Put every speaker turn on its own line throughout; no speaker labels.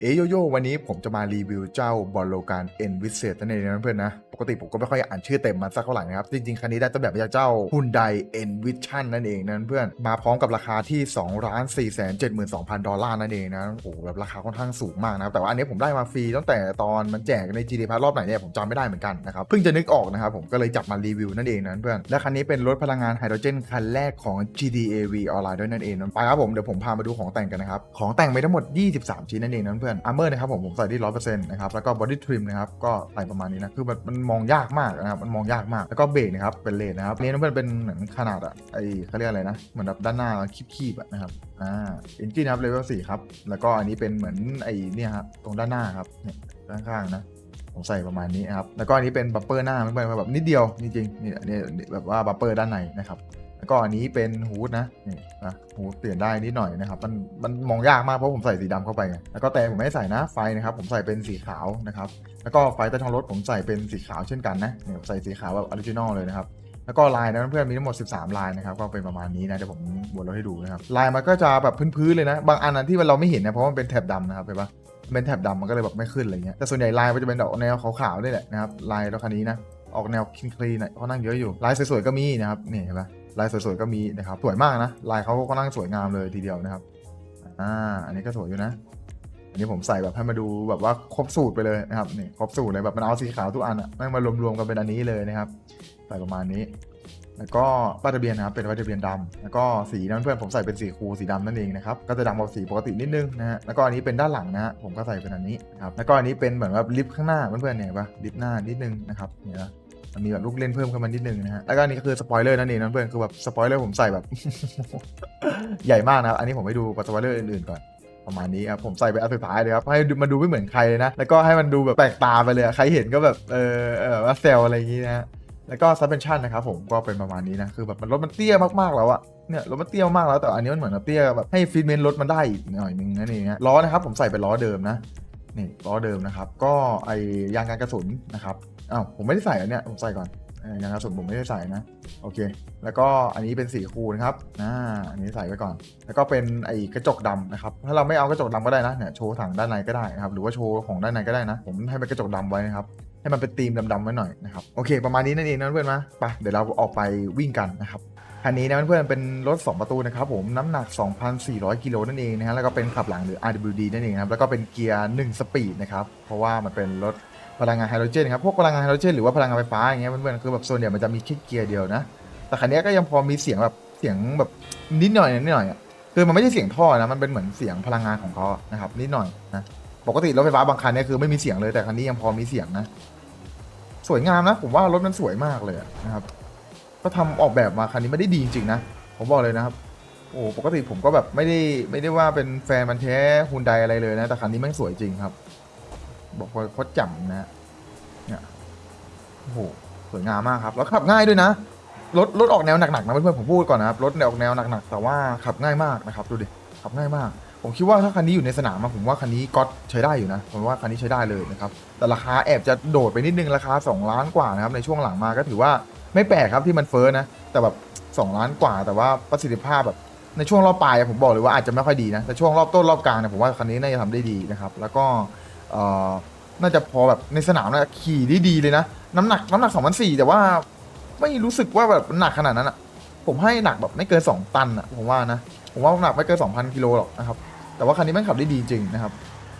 โยโย่วันนี้ผมจะมารีวิวเจ้าบอลโลการเอ็นวิเศษนั่นเองนะเพื่อนนะปกติผมก็ไม่ค่อยอ่านชื่อเต็มมันสักเท่าไหร่นะครับจริงๆคันนี้ได้ต้นแบบมาจากเจ้า Hyundai Envision นั่นเองนะเพื่อนมาพร้อมกับราคาที่ 2,472,000 ดอลลาร์นั่นเองนะโอ้โหแบบราคาค่อนข้างสูงมากนะครับแต่ว่าอันนี้ผมได้มาฟรีตั้งแต่ตอนมันแจกใน GT Pass รอบไหนเนี่ยผมจำไม่ได้เหมือนกันนะครับเพิ่งจะนึกออกนะครับผมก็เลยจับมารีวิวนั่นเองนะเพื่อนและคันนี้เป็นรถพลังงานไฮโดรเจนคันแรกของ GTAV ออนไลน์ด้วยนั่นเองนะไปครับผมเดี๋ยวผมพามาดูของแต่งกันนะครับของแต่งไปทั้งหมด23ชิ้นนั่นเองนะเพื่อนอาร์เมอร์นะครับผมใส่ที่ 100% นะครับแล้วก็บอดี้ทริมนะครับก็ใส่ประมาณนี้นะคือมันมองยากมากนะครับมันมองยากมากแล้วก็เบรกนะครับเป็นเลนนะครับนี่มันเป็นเหมือนขนาดอะไอเขาเรียกอะไรนะเหมือนแบบด้านหน้าคีบๆนะครับเอนจินนะครับเลเวล4ครับแล้วก็อันนี้เป็นเหมือนไอเนี่ยครับตรงด้านหน้าครับเนี่ยด้านข้างนะผมใส่ประมาณนี้นะครับแล้วก็อันนี้เป็นบัมเปอร์หน้ามันเป็นแบบนิดเดียวจริงๆนี่อันนี้แบบว่าบัมเปอร์ด้านในนะครับแล้วก็อันนี้เป็นฮูดนะนี่นะฮูดเปลี่ยนได้นิดหน่อยนะครับมันมองยากมากเพราะผมใส่สีดำเข้าไปไงแล้วก็แต่ผมไม่ได้ใส่นะไฟนะครับผมใส่เป็นสีขาวนะครับแล้วก็ไฟใต้ท้องรถผมใส่เป็นสีขาวเช่นกันนะเนี่ยใส่สีขาวแบบออริจินอลเลยนะครับแล้วก็ลายนะเพื่อนมีทั้งหมด13ลายนะครับก็เป็นประมาณนี้นะเดี๋ยวผมวนรถให้ดูนะครับลายมันก็จะแบบพื้นๆเลยนะบางอันที่เราไม่เห็นนะเพราะมันเป็นแถบดำนะครับเห็นปะเป็นแถบดำมันก็เลยแบบไม่ขึ้นอะไรเงี้ยแต่ส่วนใหญ่ลายมันจะเป็นดอกแนวขาวๆนี่แหละนะครับลายรถคันนี้นะออกแนวคลีนๆหน่อยเขานั่งเยอะอยู่ลายสวยๆก็มีนะครับนี่เห็นปะลายสวยๆก็มีนะครับสวยมากนะลายเขาก็นั่งสวยงามเลยทีเดียวนะครับอันนี้ก็สวยอยู่นะอันนี้ผมใส่แบบให้มาดูแบบว่าครบสูตรไปเลยนะครับนี่ครบสูตรเลยแบบมันเอาสีขาวทุกอันอ่ะแม่งมารวมๆกันเป็นอันนี้เลยนะครับใส่ประมาณนี้แล้วก็ป้ายทะเบียนนะครับเป็นป้ายทะเบียนดำแล้วก็สีนั้นเพื่อนผมใส่เป็นสีคูลสีดำนั่นเองนะครับก็จะดำกว่าสีปกตินิดนึงนะฮะแล้วก็อันนี้เป็นด้านหลังนะฮะผมก็ใส่เป็นอันนี้นะครับแล้วก็อันนี้เป็นเหมือนว่าลิฟต์ข้างหน้าเพื่อนๆเนี่ยปะลิฟต์หน้านิดนึงนะครับเนี่ยมันมีแบบลูกเล่นเพิ่มขึ้นมานิดนึงนะฮะแล้วก็อันนี้ก็คือสปอยเลอร์นั่นเองนะเพื่อนคือแบบสปอยเลอร์ผมใส่แบบ ใหญ่มากนะครับอันนี้ผมให้ดูสปอยเลอร์อื่นๆก่อนประมาณนี้ครับผมใส่ไปอันสุดท้ายเลยครับให้มันดูไม่เหมือนใครเลยนะแล้วก็ให้มันดูแบบแปลกตาไปเลยใครเห็นก็แบบว่าเซลอะไรอย่างงี้นะฮะแล้วก็ซัสเพนชั่นนะครับผมก็เป็นประมาณนี้นะคือแบบรถมันเตี้ยมากๆแล้วอะเนี่ยรถมันเตี้ยมากแล้วแต่อันนี้มันเหมือนเตี้ยแบบให้ฟีดเมนต์รถมันได้อีกหน่อยนึงนั่นเองฮะล้อนะครับผมใส่เป็นล้อเดิมนะนี่ล้อเดิมนะครับก็ไอยางกันกระสุนนะครับผมไม่ได้ใส่อันเนี้ยผมใส่ก่อนยางกระสุนผมไม่ได้ใส่นะโอเคแล้วก็อันนี้เป็นสีคูลนะครับอันนี้ใส่ไว้ก่อนแล้วก็เป็นไอกระจกดำนะครับถ้าเราไม่เอากระจกดำก็ได้นะเนี่ยโชว์ถังด้านในก็ได้นะครับหรือว่าโชว์ของด้านในก็ได้นะผมให้เป็นกระจกดำไว้นะครับให้มันเป็นธีมดำๆไว้หน่อยนะครับโอเคประมาณนี้นั่นเองนะเพื่อนๆไปเดี๋ยวเราออกไปวิ่งกันนะครับคันนี้นะเพื่อนๆเป็นรถ2ประตูนะครับผมน้ำหนัก 2,400 กิโลนั่นเองนะฮะแล้วก็เป็นขับหลังหรือ RWD นั่นเองครับแล้วก็เป็นเกียร์1สปีดนะครับเพราะว่ามันเป็นรถพลังงานไฮโดรเจนครับพวกพลังงานไฮโดรเจนหรือว่าพลังงานไฟฟ้าอย่างเงี้ยเพื่อนๆคือแบบโซนเนี่ยมันจะมีแค่เกียร์เดียวนะแต่คันนี้ก็ยังพอมีเสียงแบบนิดหน่อยอ่ะคือมันไม่ใช่เสียงท่อนะมันเป็นเหมือนเสียงพลังงานของเขานะครับนิดหน่อยนะปกติรถไฟฟ้าบางคันเนี่ยคือไม่มีเสียงเลยแต่คันนี้ยังพอมีเสียงนะสวยงามนะผมว่ารถมันสวยมากเลยนะครับก็ทำออกแบบมาคันนี้ไม่ได้ดีจริงๆนะผมบอกเลยนะครับโอ้ปกติผมก็แบบไม่ได้ว่าเป็นแฟนมันแท้ฮุนไดอะไรเลยนะแต่คันนี้แม่งสวยจริงครับบอกว่าโคตรจ่ำนะเนี่ยโอ้โหสวยงามมากครับแล้วขับง่ายด้วยนะรถออกแนวหนักๆนะเพื่อนๆผมพูดก่อนนะครับรถออกแนวหนักๆแต่ว่าขับง่ายมากนะครับดูดิขับง่ายมากผมคิดว่าถ้าคันนี้อยู่ในสนามผมว่าคันนี้ก็ใช้ได้อยู่นะผมว่าคันนี้ใช้ได้เลยนะครับแต่ราคาแอบจะโดดไปนิดนึงราคา2 ล้านกว่านะครับในช่วงหลังมาก็ถือว่าไม่แปลกครับที่มันเฟ้อนะแต่แบบ2 ล้านกว่าแต่ว่าประสิทธิภาพแบบในช่วงรอบปลายผมบอกเลยว่าอาจจะไม่ค่อยดีนะแต่ช่วงรอบต้นรอบกลางเนี่ยผมว่าคันนี้น่าจะทำได้ดีนะครับแล้วก็น่าจะพอแบบในสนามนะขี่ได้ดีเลยนะน้ำหนัก2,400แต่ว่าไม่รู้สึกว่าแบบหนักขนาดนั้นอ่ะผมให้หนักแบบไม่เกิน2 ตันอ่ะผมว่านะผมว่าหนักไม่เกิน 2,000 กิโลหรอกนะครับแต่ว่าคันนี้แม่งขับได้ดีจริงนะครับ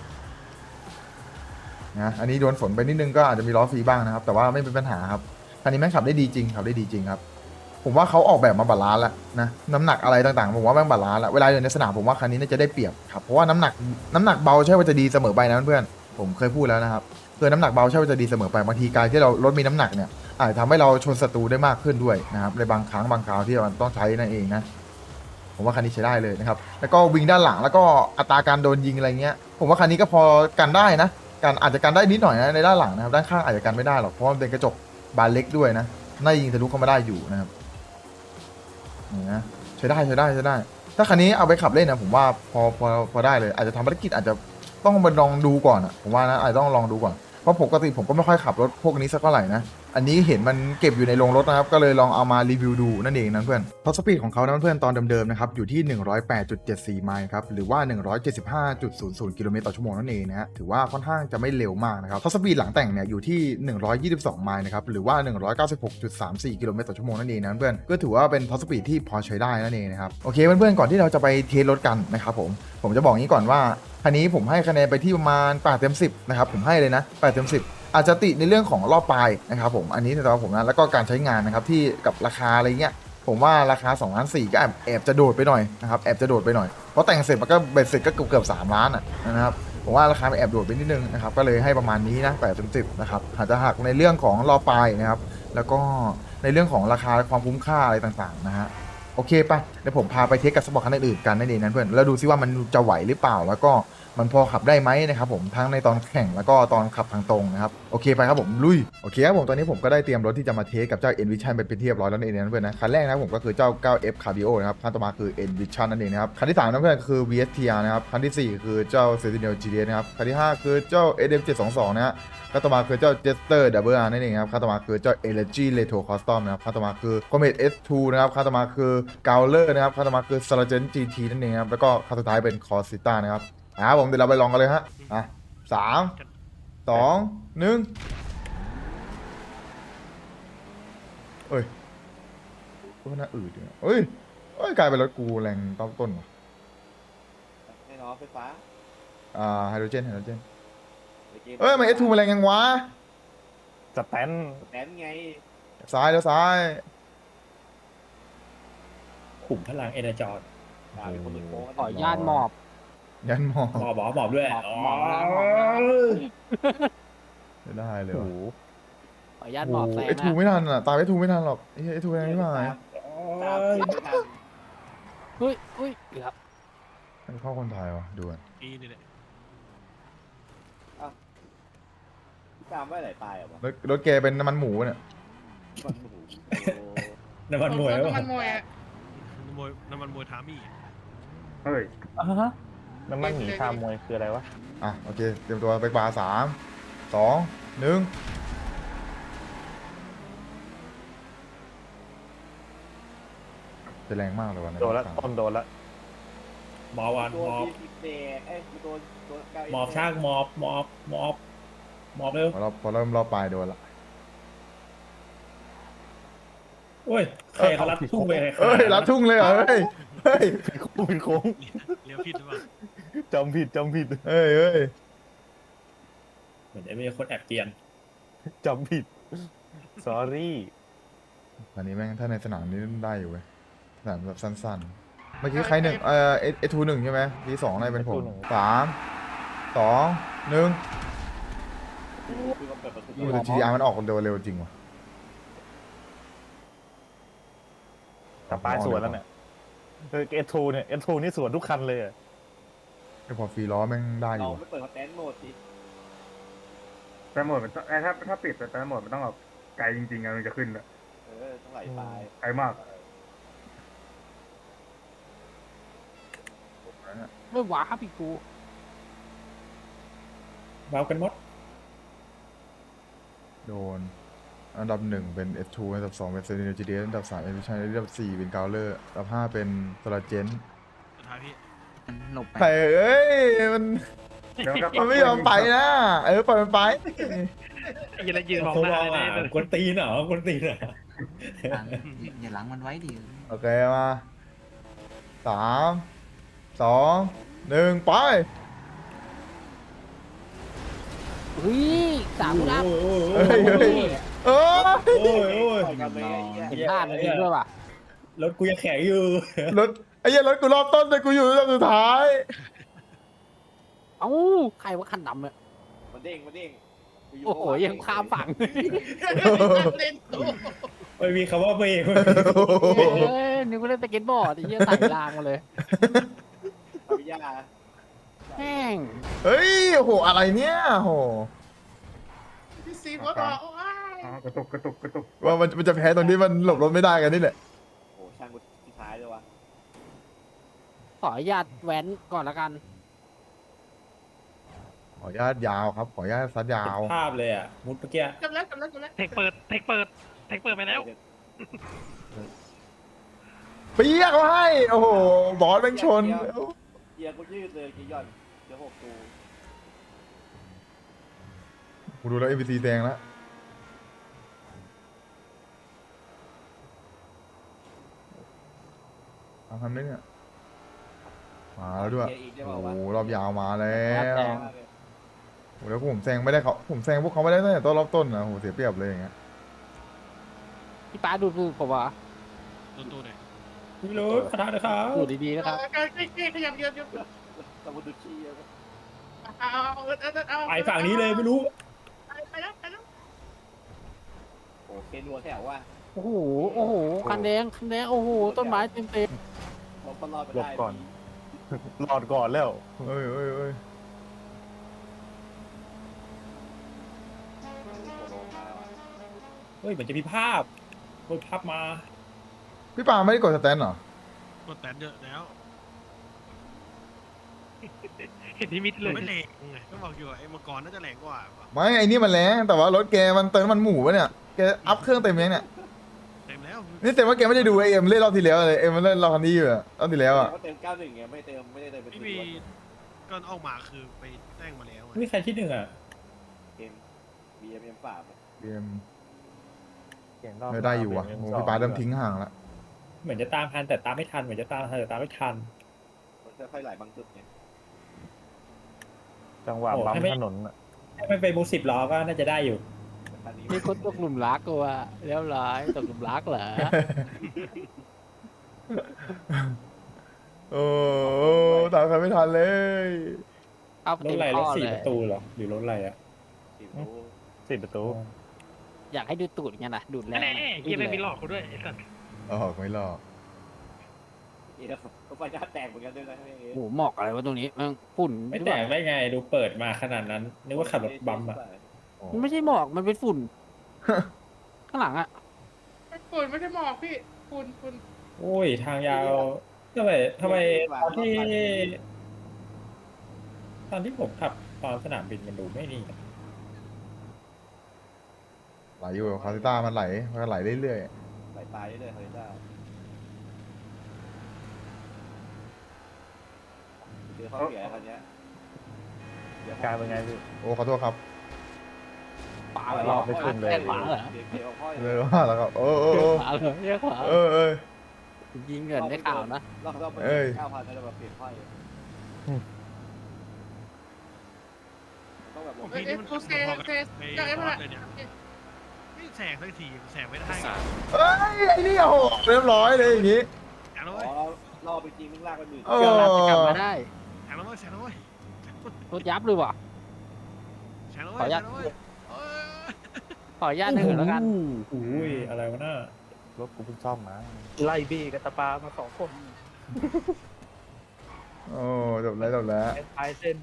นะอันนี้โดนฝนไปนิดนึงก็อาจจะมีล้อฟรีบ้างนะครับแต่ว่าไม่เป็นปัญหาครับคันนี้แม่งขับได้ดีจริงครับผมว่าเขาออกแบบมาบาลานซ์แล้วนะน้ำหนักอะไรต่างๆผมว่าแม่งบาลานซ์แล้วเวลาอยู่ในสนามผมว่าคันนี้น่าจะได้เปรียบครับเพราะว่าน้ำหนักเบาใช่ว่าจะดีเสมอไปนะเพื่อนผมเคยพูดแล้วนะครับคือน้ำหนักเบาใช่ว่าจะดีเสมอไปบางทีการที่เรารถมีน้ำหนักเนี่ยอาจจะทำให้เราชนศัตรูได้มากขึ้นด้วยนะครับในบางครั้งบางคราวที่มันต้องใช้นั่นเองนะผมว่าคันนี้ใช้ได้เลยนะครับแล้วก็วิ่งด้านหลังแล้วก็อัตราการโดนยิงอะไรเงี้ยผมว่าคันนี้ก็พอกันได้นะการอาจจะกันได้นิดหน่อยนะในด้านหลังนะครับด้านข้างอาจจะกันไม่ได้หรอกเพราะมันเป็นกระจกบานเล็กด้วยนะน่ายิงทะลุเข้ามาได้อยู่นะครับนี่นะใช้ได้ถ้าคันนี้เอาไปขับเล่นนะผมว่าพอได้เลยอาจจะทำภารกิจอาจจะต้องไปลองดูก่อนผมว่านะอาจจะต้องลองดูก่อนเพราะปกติผมก็ไม่ค่อยขับรถพวกนี้สักเท่าไหร่นะอันนี้เห็นมันเก็บอยู่ในโรงรถนะครับก็เลยลองเอามารีวิวดูนั่นเองนะเพื่อนท็อปสปีดของเขานะเพื่อนตอนเดิมๆนะครับอยู่ที่ 108.74 ไมล์ครับหรือว่า 175.00 กิโลเมตรต่อชั่วโมงนั่นเองนะฮะถือว่าค่อนข้างจะไม่เร็วมากนะครับท็อปสปีดหลังแต่งเนี่ยอยู่ที่ 122 ไมล์นะครับหรือว่า 196.34 กิโลเมตรต่อชั่วโมงนั่นเองนะเพื่อนก็ถือว่าเป็นท็อปสปีดที่พอใช้ได้นั่นเองนะครับโอเคเพื่อนๆก่อนที่เราจะไปเทสรถกันนะครับผมจะบอกงี้ก่อนว่าคันนี้ผมให้คะแนนไปที่ประมาณ8 เต็ม 10นะครับผมให้เลยนะ8 เต็ม 10อาจจะติในเรื่องของรอบปลายนะครับผมอันนี้สำหรับผมนะแล้วก็การใช้งานนะครับที่กับราคาอะไรเงี้ยผมว่าราคา2 ล้าน 4ก็แอบจะโดดไปหน่อยนะครับแอบจะโดดไปหน่อยเพราะแต่งเสร็จมันก็เบ็ดเสร็จก็เกือบ3 ล้านนะครับผมว่าราคาแอบโดดไปนิดนึงนะครับก็เลยให้ประมาณนี้นะ8 เต็ม 10นะครับอาจจะหักในเรื่องของรอบปลายนะครับแล้วก็ในเรื่องของราคาความคุ้มค่าอะไรต่างๆนะฮะโอเคปะเดี๋ยวผมพาไปเทสกับสปอร์ตคันอื่นๆกันนั่นเองนะเพื่อนแล้วดูซิว่ามันจะไหวหรือเปล่าแล้วก็มันพอขับได้ไหมนะครับผมทั้งในตอนแข่งแล้วก็ตอนขับทางตรงนะครับโอเคไปครับผมลุยโอเคครับผมตอนนี้ผมก็ได้เตรียมรถที่จะมาเทสกับเจ้า Envision เป็นที่เรียบร้อยแล้วนั่นเองนะเพื่อนนะคันแรกนะครับผมก็คือเจ้า 9F Cabrio นะครับคันต่อมาคือ Envision นั่นเองนะครับคันที่3นะเพื่อนคือ VSTR นะครับคันที่4คือเจ้า Sentinel GTS นะครับคันที่5คือเจ้า SM722 นะฮะคันต่อมาคือเจ้า Jester Double R นั่นเองครับคันต่อมาคือเจ้า Energy Retro Custom นะครับคันต่อมาคือ Comet S2 นะครับคันต่อมาคือ Gowler นะครับคันต่อมาคือ Sargent GT นั่นเองครับแล้วก็คันสุดท้ายเป็น Corsita นะครับผมเดี๋ยวเราไปลองกันเลยฮะ3 2 1เอ้ยก็น่าอืดอยู่เอ้ยกลายเป็นรถกูแรงต้นว่ะ
แน่นอนไฟฟ้า
ไฮโดรเจน
เมื่อกี้
มัน S2 มาแรงยังวะ
สแตน
แตนไง
ซ้ายแล้วซ้าย
ขุมพลังเอเนจอร์
ด่าเป็นคนอื่นโค้ง
ขออนุญาตหมอบ
ยันหมอ
หมอบด้วย
หมอบนะหมอบนะ
ไม่ได้เลย
โอ้
ว่ะ
โห
ขออนุญาตหมอบแซง
S2
นะ
ไม่ทันอ่ะตาม S2 ไม่ทันหรอกไอ้ S2 แรงไม่มา
ตามผิดไม่ทัน
อุ้ยเกือบ
เข้าคนไทยวะดูอ่ะ
ปีนี่แหละ
ตามไว้ไหลตายเหรอวะ
รถแกเป็นน้ำมันหมูเนี่ย
มันโอ้โห
น้ำมันมวย
น้ำมันมวยน้ำมันมวยทามี่
เฮ้ยน้ำมันหมีชามมวยคืออะไรวะ
โอเคเตรียมตัวไปบาร์3 2 1จะแรงมากเลยวันนี้
โดนละต้นโดนละหมอวัน
ตั
ห
ว
มอบ
ที่สิบเดย์ตัวเก้า
หมอบช่างหมอบเร็ว
พอเริ่มรอบปลายโดนละ
โอ้ยใครเขารัดทุ่งไปใคร
เฮ้ยรัดทุ่งเลยเหรอเฮ้ย
เป็นโค้ง
เลี้ยวผิดหรือเปล่า
จำผิด
เฮ้ย
เหมือนจะมีคนแอบเกียนจำผิด sorry
อันนี้แม่งถ้าในสนามนี้ได้อยู่เว้ยสนามแบบสั้นๆ เมื่อกี้ใครหนึ่งเอทูหนึ่งใช่ไหมทีสองอะไรเป็นผม 3 2 1
คือมันเปิดประตู
แต่ GTR มันออกเร็วจริงว่ะ
แต่ปลายสวนแล้วเนี่ยS2 เนี่ย S2 นี่สวนทุกคันเลยอะ
ไอ้พอฟรีล้อแม่งได้อ
เรา
ยู่ว่ะ
ไม่เปิดสแตนโหมดสิ
แต่โหมดมันต้องถ้าปิดแต่โหมดมันต้องแบบไกลจริงๆอะมันจะขึ้นอะ
ต้องไหลตาย
ไกลมาก
ไม่หวาครับพี่กู
เมากันหมด
โดน อันดับ 1 เป็น S2 อันดับ 2 เป็น Sentinel GTS อันดับ 3 Envision อันดับ 4 เป็น Gowler อันดับ 5 เป็น Sargent
สุดท้ายพี่
หลบไป
ใครเอ้ยมัน
เดี๋ยว
มันไม่ยอมไปนะปล่อยมันไป
ยืนยืนมอง
เขา
หน้าม
อง
เลย
อ่ะ
นะ
กวนตีนเหรอกวนตีนเหรอ
อย่าหลังมันไว้ดิ
โอเคมา3 2 1 ไป
เฮ้ยสามรับ
เฮ้ยเอ้ย
โอ้ย
ปล่อยกันเลยไอ้เหี้ย
เห็นพลาดมันจริงด้วยว่ะ
รถกูยังแข็งอยู่
รถไอ้เหี้ยรถกูรอบต้นแต่กูอยู่รอบสุดท้าย
เอ้าใครว่าคันดำเนี่ย
มันเด้งกูยู่
โอ้โหยังข้ามฝั่ง
ไม่มีคำว่าเบรก
เอ้ยนึกว่าเล่นสเก็ตบอร์ดไอ้เหี้ยใส่รางมาเลย
เอาไปย่า
แม่ง
เฮ้ยโอ้โหอะไรเนี่ยโห
พี่ซีว่าต่อ
อ๋อกระตุก
ว่ามันจะแพ้ตรงที่มันหลบรถไม่ได้กันนี่แหละ
โอ้ช่างกูที่ท้ายเลยวะ
ขออนุญาตแว้นก่อนละกัน
ขออนุญาตยาวครับ ขออนุญาตซัดยาว
ภาพเลยอ่ะมุดเมื่อกี้
กำลังเทคเปิดไปแล้ว
เปียกเขาให้ โอ้โห บอสแม่งชน
เกียร์กูยืดเลยกี่หย่อนเดี๋ยว6 ตู
กูดูแล้ว NPC แดงแล้วทำได้เนี่ย มาแล้วด้วย
เกียร์อีกได้
โอ้
เปล่า
โห
วะ
รอบยาวมาแล้ว
แดง
โอ้โหแล้วผมแซงไม่ได้เขาผมแซงพวกเขาไม่ได้ตั้งแต่ต้นรอบต้นนะโหเสียเปรียบเลยอย่างเงี้ย
พี่ป้าดูผมว่า
ตู้หน่อย
ไม่รู้ขนาดเลยครับ
ดูดีๆนะครับ
ขยับเยอะ
สมุดดูขี้แล้ว
เอา
ไปฝั่งนี้เลยไม่รู้
ไปแล้ว
โอ้เคนวัวแถวว่า
โอ้โหโอ้โหคันแดงโอ้โหต้นไม้เต็ม
เราก็รอดไป
หล
ได้
บก่อน รอดก่อนแล้ว
เอ้ยเอ้ยเอ้ย
เฮ้ยเหมือนจะมีภาพโอ้ยภาพมา
พี่ปาไม่ได้กดสแตนเหรอ
กดแตนเยอะแล้วเห็นนิมิตเลยไม่แรงไงก็บอกอยู่ไอ้มังกรน่าจะแรงกว่า
ไม่ไอ้นี่มันแรงแต่ว่ารถแกมันเติมมันหมูปะเนี่ยแกอัพเครื่องเต็มยังเนี่ย
เต็มแล้ว
นี่แต่ว่าแกไม่ได้ดูไอเอ็มเล่นรอบที่แล้วเลยเอ็มมันเล่นรอบคันนี้อยู่อะรอบที่แล้วอะ
เขาเต็ม91ไงไม่ได้เติมเป็น
ไม่มีก็ออกมาคือไปแต่งมาแล้ว
ไม่มีใครที่หนึ่งอ่ะ
เกม BMM ฝาบ
เอ็ม
เก่งรอบ
ไม่ได้อยู่ว่ะโอ้พี่ปาเริ่มทิ้งห่างละ
เหมือนจะตามทันแต่ตามไม่ทันเหมือนจะตามทันแต่ตามไม่ทัน
มันค่อยๆไหลบางจุดไง
จังหวะ
โอ้
บัม
ให้ไม่
ถนนอะ
ถ้ามันเป็นมูสิบล้อก็น่าจะได้อยู่
คันนี้
ๆมีคนตกหลุมรักกูว่าเรียบร้อยตกหลุมรักเหรอ
โอ้ตามใครไม่ทันเลย
เอา
รถ
เต็ม
อะไรร
ข้
ถ
อ
สี่
เล
ป
ย
ระตูเหรอหรือรถอะไรอ่ะ
สี่ประตู
อยากให้ดูตูดไงนะดูดแรง
แน่เกียร์ไม่มีหลอกกูด้วยไอ้สัตว์
อ๋อไม่หรอก
ก็ไฟหน้าแตกเหมือนกันด้วยนะ
โอ้โหหมอกอะไรวะตรงนี้มันฝุ่น
ไม่แตกได้ไงดูเปิดมาขนาดนั้นนึกว่าขับรถบัมอ่ะ
มันไม่ใช่หมอกมันเป็นฝุ่น ข้างหลังอะ
ฝุ่นไม่ใช่หมอกพี่ฝุ่น
โอ้ยทางยาวทำไมตอนที่ผมขับตอนสนามบินมันดูไม่นี่
ไหลอยู่คาซิต้ามันไหลเรื่อย
ไหลตายเลยเฮ้ยได้เจอเขาเสียคันนี้
กลายเป็นไงพี่
ๆโอ้ขอโทษครับ
ขวาเหรอ
ไม่ขึ้นเลย
แค่ขวาเหรอ
เดี๋ยวพ่อ
เลยว่าแล้วครับเออเออ
ขวาเหรอเรียกขวา
เออเออ
ยิงเงินได้ข่าวนะ
เราไป9,000แล้วแบบเปลี่ยนพ่อยต้องแบบ
ผมพี่นี่มันพอกับไปรอดเลยเนี่ยไม่แสงสักทีแสงไม่ได้
เอ้ยไอ้นี่โอ้โหเรียบร้อยเลยอย่างงี้
แสงแล้วเว้ย
อ๋อรอไปจริงมึงลากไปหมื่น
โอ้
เกี่ยวรับจะกลับมาได้
แสงแล้วเว้ยแสงแล้วเว้ย
รถยับเลยว่ะ
แสงแล้วเว้ยแสงแล้วเว้ย
ขออนุญาตเถอะแล้วกัน
อุ้ยอะไรวะน่าร
ถกูเพิ่งซ่อมมา
ไล่บี้กับตาปามา2 คน
โอ้จบแล้ว
ปลายเส้น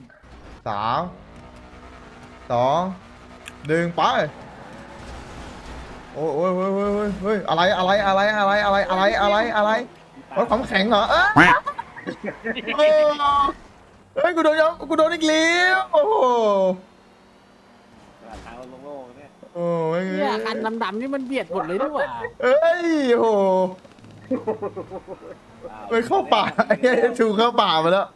3 2 1ไปโอ้ยเฮ้ยอะไรรถความแข็งเหรอเอ้ยโอ้เฮ้ยกูโดนอีกแล้วโอ้โห
ทางโล่งๆเนี่ย
โอ้ย
เนี่ยคันดำๆนี่มันเบียดหมดเลยด้วยว่ะ
เอ้ยโอ้โหไปเข้าป่าไอ้เหี้ยชูเข้าป่ามาแล้ว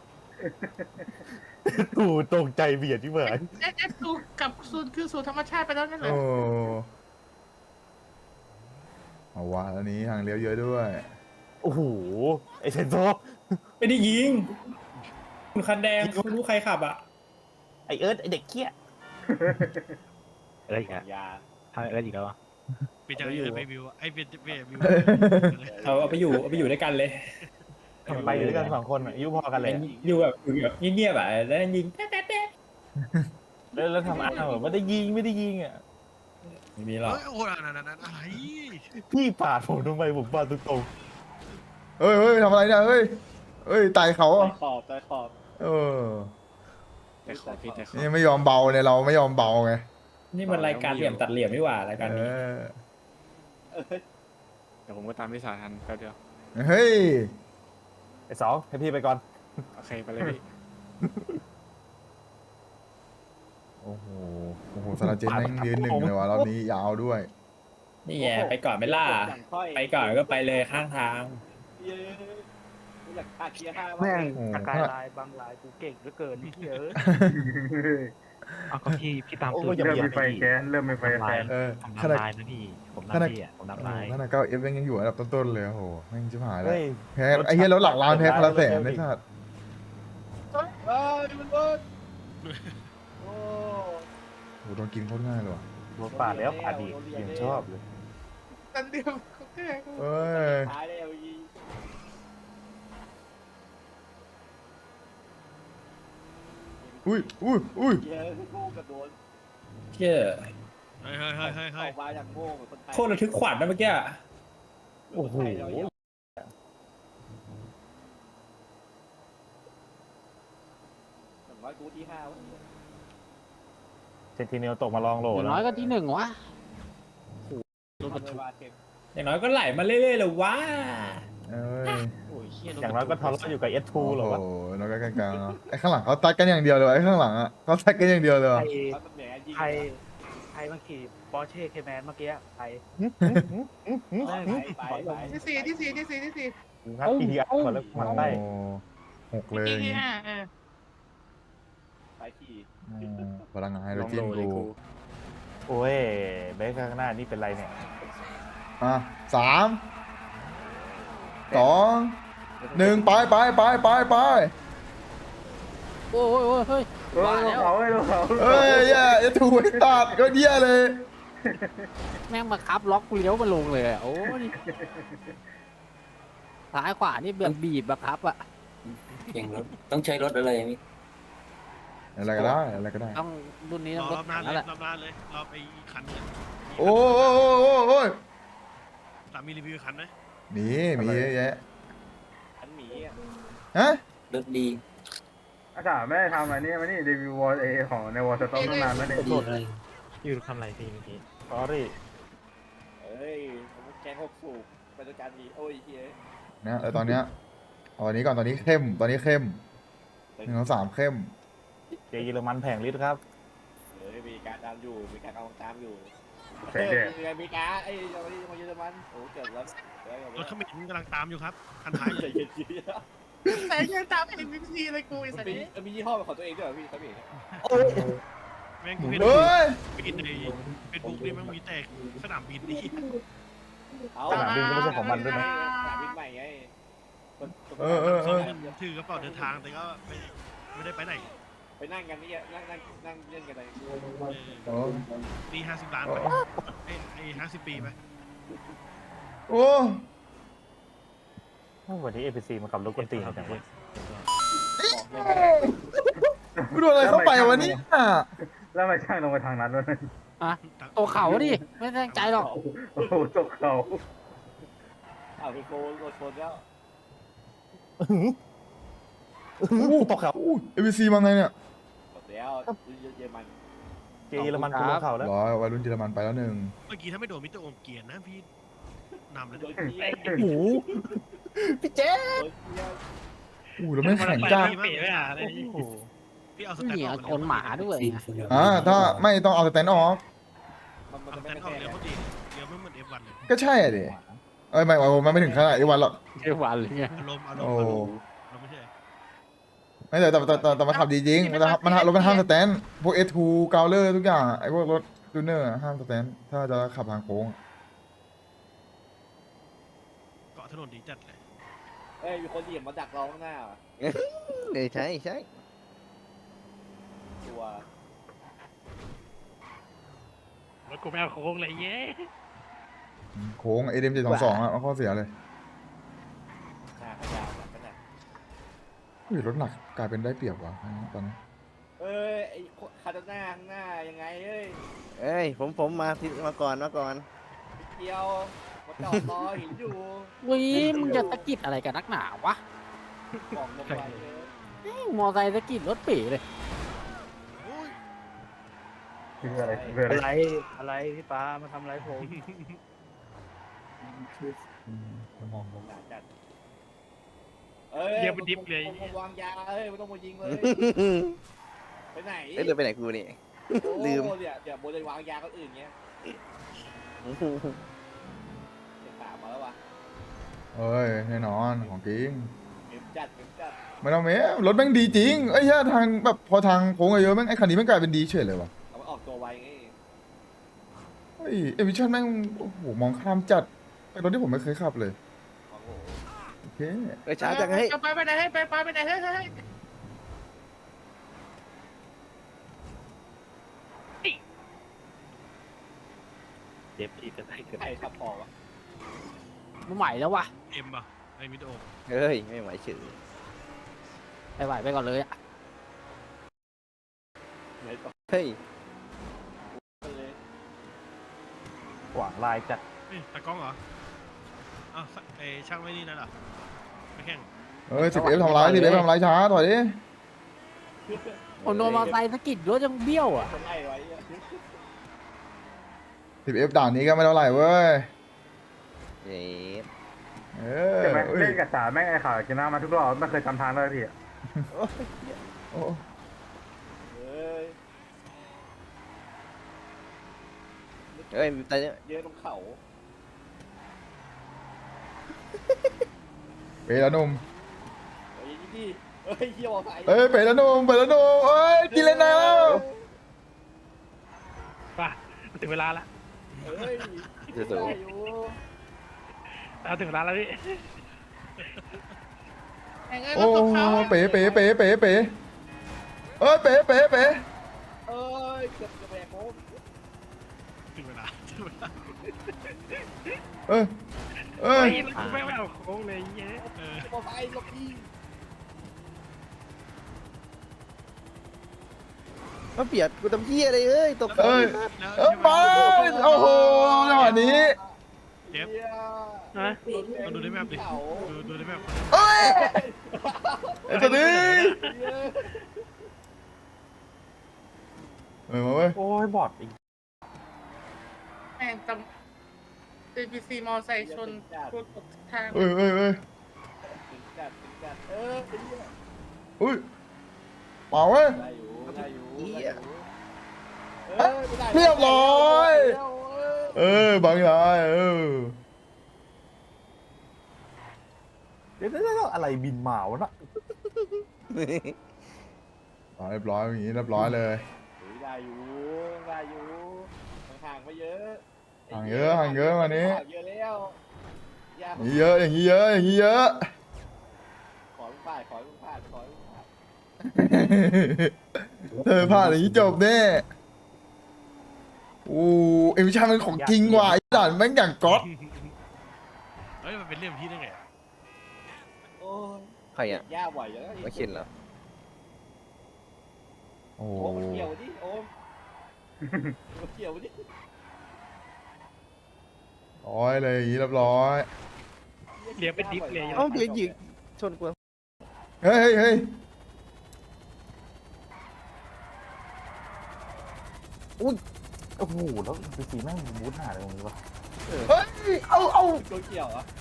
กูตกใจเบียดที่เหมือน
เอฟดูกับคือสู่ธรรมชาติไปแล้วนั่นแหละ
โอ้เอาวะอันนี้ทางเลี้ยวเยอะด้วย
โอ้โหไอเซนโซ
ไม่ได้ยิงคุณคันแดงไม่รู้ใครขับอ่ะ
ไอเอิร์ธไอเด็กเกี้ยอะไรกัน
ยา
ทำอะไรอีกแล้ว
เปลี่ยนจากเอไปวิวไอ้เปลี่ยนวิว
เอาไปอยู่ด้วยกันเลย
ไปอยู่ด้วยกัน2 คนอายุพอกันเลย
อยู่แบบเงียบๆอ่ะแล้วยิงแต๊ะ
แล้วทำอ้าวไม่ได้ยิงอ่ะ
ไม่มีหรอก
เฮ้ยโอ้โหนั่นอะไร
พี่ปาดผมทำไมผมปาดตรง
เฮ้ยทำอะไรเนี่ยเฮ้ยไต่เขาอ่ะ
ตายขอบ
เออ
แต่ขอบพี่แต่ขอบ
นี่ไม่ยอมเบาเนี่ยเราไม่ยอมเบาไง
นี่มันรายการเหลี่ยมตัดเหลี่ยมไม่หว่ารายการ
เอ
นี้
อ
เดี๋ยวผมก็ตามพี่สาทันแป๊บเดียว
เฮ้ย
ไอ2ให้พี่ไปก่อน
โอเคไปเลยพี่
โอ้โหสาราเจนแม่งยืนหนึ่งเลยวะรอบนี้ยาวด้วย
นี่ไงไปก่อนไม่ล่า
อย่างค่อย
ไปก่อนก็ไปเลยข้างทาง
เย้กูอยากขาดเกียร์ห้า
แม่ง
โอ้
สกายไลน์บางไลน์กูเก่งเหลือเกินเยอะ
เอาก็พี่ตามตัว
เริ่มมีไฟแก๊สเริ่มมีไฟแก๊ส
ผม
ขนาด
นำลายนะพี่ ผม
ขนาด
นำพี่อ่ะผมนำลาย
ขนาด9Fยังอยู่อันดับต้นๆเลยโอ้โหแม่งชิบหายแล้วแพ้ไอ้เหี้ยรถหลักล้านแพ้พลาแสนไอ้สัส
เอ้ยมันเบิร์ดโอ้
โหโดนกินโคตรง่ายเลยว่ะ
รถป่าดแล้วป่าดอีกยังชอบเลย
ตันเดียวเขาแค่
เอ้ย
ท้ายแล้วยี
อุ้ย
เย้กูกระโดด
เชี่ย
ออกมาอย่างโง่เหมือนคนไทย
โคตรระทึกขวัญนะเมื่อกี้
โอ้โห
อย่างน้อยกูที่ห้าวะ
เซนติเนลตกมาลองโหล
อย่าง
แล้
น้อ
วย
ก็ที่หนึ่งวะ
รถบรรทุกเต็ม
อย่างน้อยก็ไหลมาเรื่อยๆเลยว้า
เอ้ย
โอ้ยเชี่ย
อย่างน้อยก็ทะเลาะอยู่กับ S2 หรอวะ
โอ้โหน้อยก็กลางๆเนาะไอ้ข้างหลังเขาตัดกันอย่างเดียวเลยว่ะไอ้ข้างหลังอ่ะเขาตัดกันอย่างเดียวเลยว่ะ
แล้วมันแหมยิง
ใครมาขี่ปอร์เช่เคแมนเมื่อกี้ใคร
ไป
ที่สี่
ครับ PTR ก่อนแล้วมันได้
โอ้หกเลย
ที่ห้า
ไปขี่
พลังงานไฮโด
ล
ร
อง
เจ
โหล
น
เลย
กู
กู
โอ้ยเบสข้างหน้านี่เป็นไรเนี่ย
อ่ะ3 2 1ไป
โอ้ยเฮ้ย
เออลงเขาเลยลงเขา
เอ้ยอย่าถูกไอ้ตัดก็เหี้ยเลย
แม่งมาคับล็อกกูเลี้ยวมาลงเลยอะโอ้ยซ้ายขวานี่เบียงบีบบังคับอะ
เก่งรถต้องใช้รถอะไรนี่
อะไรก็ได้อะไรก็ได้
ต้องรุ่นนี้
ร
ต้อง
อ
ร
ร
ถ
อบหน้าเล
นั่
ย
นแหละ
รอบหน้าเลยรอบไอ้คันเนี่ย
โอ้ย
สามีรีวิวคันไหม
มีเยอะแยะ
ขันหมี
ฮะ
รถดี
อาจารย์ไม่ได้ทำอันนี้มานี่รีวิววอลเอของในวอลสต็อกตั้งนานแล้วเนี่ย
ดีเลย
อยู่ทำอะไรพี่เมื่อกี้
sorry
เอ้ยผมแกง6 สูบไปด้วยกันดีโอ้ยเฮ้ย
นะตอนเนี้ยเอาอันนี้ก่อนตอนนี้เข้ม1 2 3เข้ม
เจเยอรมันแผงลิตรครับ
เฮ้ยมีการตามอยู่มีการเอาตามอยู่
แผงแดด
มีการไอ้เราที่มาเยอรมันโอ้เกิดแล้ว
รถเขมิ้นกำลังตามอยู่ครับคันท้าย
ใจ
เลย
เย็นๆ
แต่ยังตามเอ็มวีซีเลยกูไอ้สัตว์นี้
มียี่ห้อเป็นของตัวเองด้วยเหรอพี่ครับพี่
แม่งกูเห็น
เฮ้ย
บินในเฟซบุ๊กนี่แม่งมีแต่สนามบินนี่
สนามบินก็ไม่ใช่ของมันด้วยนะ
สนามบินใหม่ไง
เขาถือกระเป๋าเดินทางแต่ก็ไม่ได้ไปไหน
ไปนั่งกันนี่นั่งเล่นกันเลย
โอ้
ปี50 ล้านไปไอ้50 ปีไป
โอ้
วันนี้ APC มาขับรถกวนตีนจังเลย
กูโดนอะไรเข้าไปวะเนี่ย
แล้วมาช่างลงไปทางนั้นด้วย
ตัวเขาดิไม่ตั้งใจหรอก
โอ้โหตกเขา
อ้าวเป็นโกนโดนชนแล้ว
ตกเขา
เอวีซีมาไงเนี่ย
หมดแล้วเยอรมัน
เจเยอรมันกูลงเขาแล้ว
ร้อยวัยรุ่นเยอรมันไปแล้วหนึ่ง
เมื่อกี้ถ้าไม่โดนมิสเตอร์โอมเกียร์นะพี่นำแล้ว
โดน
เนี่ย
เกียร์
โอ้โหพี่เจ๊
โดนเกียร์
อู้แล้วไม่งแข่งจ้า
พี่เอาสแตน
เหนี
ด์
ย
อ
ว
อก
ชนหมาด้วย
ซีน
นะ
คนเดียว
ถ้าไม่ต้องเอาสแตนด์ออก
มัน
เอา
จะ
สแต
ไม่
นด์ออก
แพ้
เดี๋ยวเขาดีเดี๋ยวไม่เหมือน F1 เลย
ก็ใช่อะดิเอ้ยไม่ถึงขนาดไอ้วันหรอก
เที่ยววันเลยไง
อารมณ์
โอ้
เราไม่ใช่
ไม่แต่มันขับดีจริงมันรถมันห้ามสแตนด์พวก S2 เกาเลอร์ทุกอย่างไอ้พวกรถจูเนอร์ห้ามสแตนด์ถ้าจะขับทางโค้ง
เกาะถนนดีจัดเลย
เอ้ยมีคนเหยียบมาดักเราข้างหน้า
ใช่ใช่
ตัว
รถกูไม่เอาโค้งเลยเย้
โค้งเอเดม722อ่ะข้อเสียเลย
หน้าขยาวแบบนั้นแหละ
อุ้ยรถหนักกลายเป็นได้เปรียบว่ะตอนนี้
เอ้ยไอ้คาตาน่าข้างหน้ายังไงเอ้ย
เอ้ยผมมาก่อน
เดียวมาจอดรอหินอยู่
วิมึงจะตะกิดอะไรกันนักหนาวะ
กล่องลงไปเลย
มอไซค์ตะกิดรถเป๋เลย
โอ้ย
คืออะไรคืออะไร
อะไรพี่ปามาทำอะไรผม
ด่าจัดเอ้ย
เดี๋ยวมันดิฟเลย
วางยาเอ้ยไม่ต้องมายิงเลยไปไหน
เอ้ยเดินไปไหนกูนี่
ไ
ลืม
โอ้เนี่ยเดี๋ยวโบเลยวางยาคนอื่นเงี้ยเดี๋ยวถามมาแล้ววะ
เอ้ยแน่นอนของจริง
เก็บจัดเก็บจัด
ไม่ต้องเมรถแม่งดีจริงไอ้เหี้ยทางแบบพอทางโค้งเยอะแม่งไอ้คันนี้แม่งกลายเป็นดีเฉยเลยว่ะ
เอามาออกตัวไวไง
เฮ้ยเอวิชั่นแม่งโอ้โหมองข้ามจัดเป็นรถที่ผมไม่เคยขับเลย
โอ้โห
โอเค
ไปช้าจังให้ย
ไปไหนให้ไปไหนให้
เจ็บที่จะได้เกิด
ใครขับออกวะ
ไม่ไหวแล้ววะ
เอ็มป่ะไอ้มิดโอ
เฮ้ยไม่ไหวเฉย
ไม่ไหวไปก่อนเลยอะ
ไหนต่อ
เฮ้ย
เลย
หวังลายจัด
นี่ตากล้องเหรออ้าวไอ้ช่างไม่นี่นั่นเหรอไม่แข่ง
เอ้ย10F ทำร้าย10F ทำร้ายช้าถอยดิ
ผมโดนมอเตอร์ไซค์สะกิดรถยังเบี้ยวอ่ะ
คนไล่ไว้อะ
10F ด่านนี้ก็ไม่เท่าไหร่เว้ย
เย็ด
เออ
ใช่ไหม
เอ้ย
เล่นกับสาแม่งไอ้ข่าวกินน้ำมาทุกรอบไม่เคยจำทางเลยพี่อะ
โอ้
เฮ้ย
เฮ้ยแต่เนี่ย
เยอะตรงเขา
เป๋แล้วหนุ่ม
เฮ้ยนี่ดิเฮ้ยเฮียบอกใคร
เอ้ยเป๋แล้วหนุ่มเป๋แล้วหนุ่มเอ้ยกินเลยนายแล้ว
ป่ะถึงเวลาละ
เฮ้ย
เดี๋ยว
ได้อยู่
เอาถึงเวลาแล้วพี่
โอ้เป๋เป๋เป๋เป๋เป๋เอ้ยเป๋เป๋เป๋
เอ้ยเกือบจะแบกโค้ง
ถึงเวลา
เอ้ยเอ้ย
เฮ้ยกูไม่เอาโค้งเลยเย้
บอกใครหลบอี
มาเปียดกูทำเหี้ยอะไรเอ้ยตก
เอ้ย
แล้ว
เอ้ยมาโอ้โหจังหวะนี้
เจ็บ
เฮีย
ฮะ
มาดูได้แมพดิ
เขา
ดูได้แมพ
เอ้ยไอ้ตัวนี้
เฮีย
มาเว้ย
โอ้ยบอดอีก
แม่งจำ APC มอไซค์ชนรถตกทาง
เอ้ยเอ้ยเอ้ย
ถึงจัดเออเฮีย
อุ้ยเปล่าเว้ย
ได้อยู่ได้อยู่
เหี้ย
เรียบร้อยเออบางอย่าง
เดี๋ยวอะไรบินหมาวะน่ะ
เรียบร้อยอย่างนี้เรียบร้อยเลย
ได้อยู่ได้อยู่ห่างๆไม่เยอะ
ห่างเยอะห่างเยอะวันนี้
ห่างเยอะแล้วยาก
อย่างนี้เยอะอย่างนี้เยอะอย่างนี้เยอะ
ขอลูกพลาดขอลูกพลาดขอลูกพลาด
เธอพลาดอย่างนี้จบแน่โอ้เอ็มวิชามันของจริงว่ะไอ้ด่านแม่งอย่างก๊อต
เฮ้ยมันเป็นเรื่องที่ได้ไง
โอ้ย
ใครอ่ะ
ยากบ่อยแล้ว
มาเข็นเหรอ
โอ้
โอ้มันเกี่ยวดิโอ้มันเกี่ยวดิ
ร้อยเลยอย่างนี้เรียบร้อย
เลี้ยงเป็นดิฟเลย
เอ้าเดี๋ยวหยิงชนกู
เฮ้ยเฮ้ยเฮ้ย
โอ้โหแล้วไปสีแม่งบูทหาอะไรตรงนี้วะ
เฮ้ยเอา
ตัวเกี่ยวอ่ะ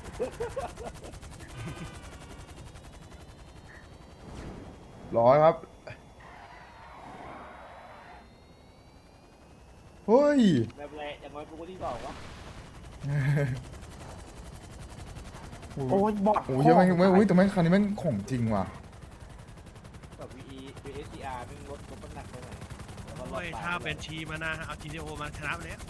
ร้อยครับเฮ้ย
แบบแหละอย่างน้อยกูก็ที่สองวะ
โอ้ยบอด
โอ้ยแม่งไม่อุ้ยแต่แม่งคันนี้แม่งของจริงว่ะ
แบบ VSCR เป็นรถน้ำหนักไปหน่อยแล้วก็รอ
โอ้
ด
ย
ไป
ถ้าเป็นชีมานะเอา GTO มาชนะไปแล้ว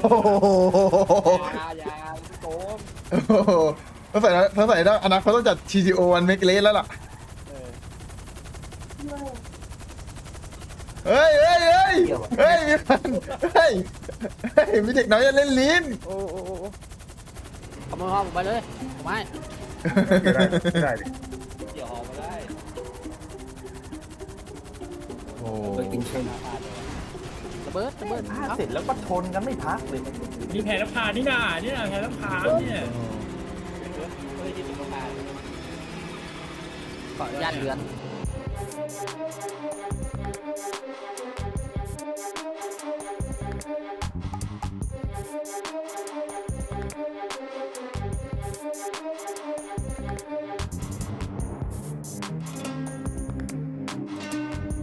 ยาโกง
ถ้าใส่ได้อนาคตต้องจัด TGO วันเมกเลสแล้วล่ะ เฮ้ยเฮ้ยเฮ้ยเฮ้ยมีพันเฮ้ยเฮ้ยมีเด็กน้อยจะเล่นลิ้น
โอ้โอ้โอ้
ขโมยห้องผมไปเลยผมไม่
ไม่ได้ดิ
เกี่ยวหอมมาได้
โอ้
ระเบิด
เสร็จแล้วก็ชนกันไม่พักเลย
มีแผนพานี่นาเนี่ยแผนพาเนี่ย
ไม่ได้ยินเป็นประธาน
ขออนุญาตเรือน
เ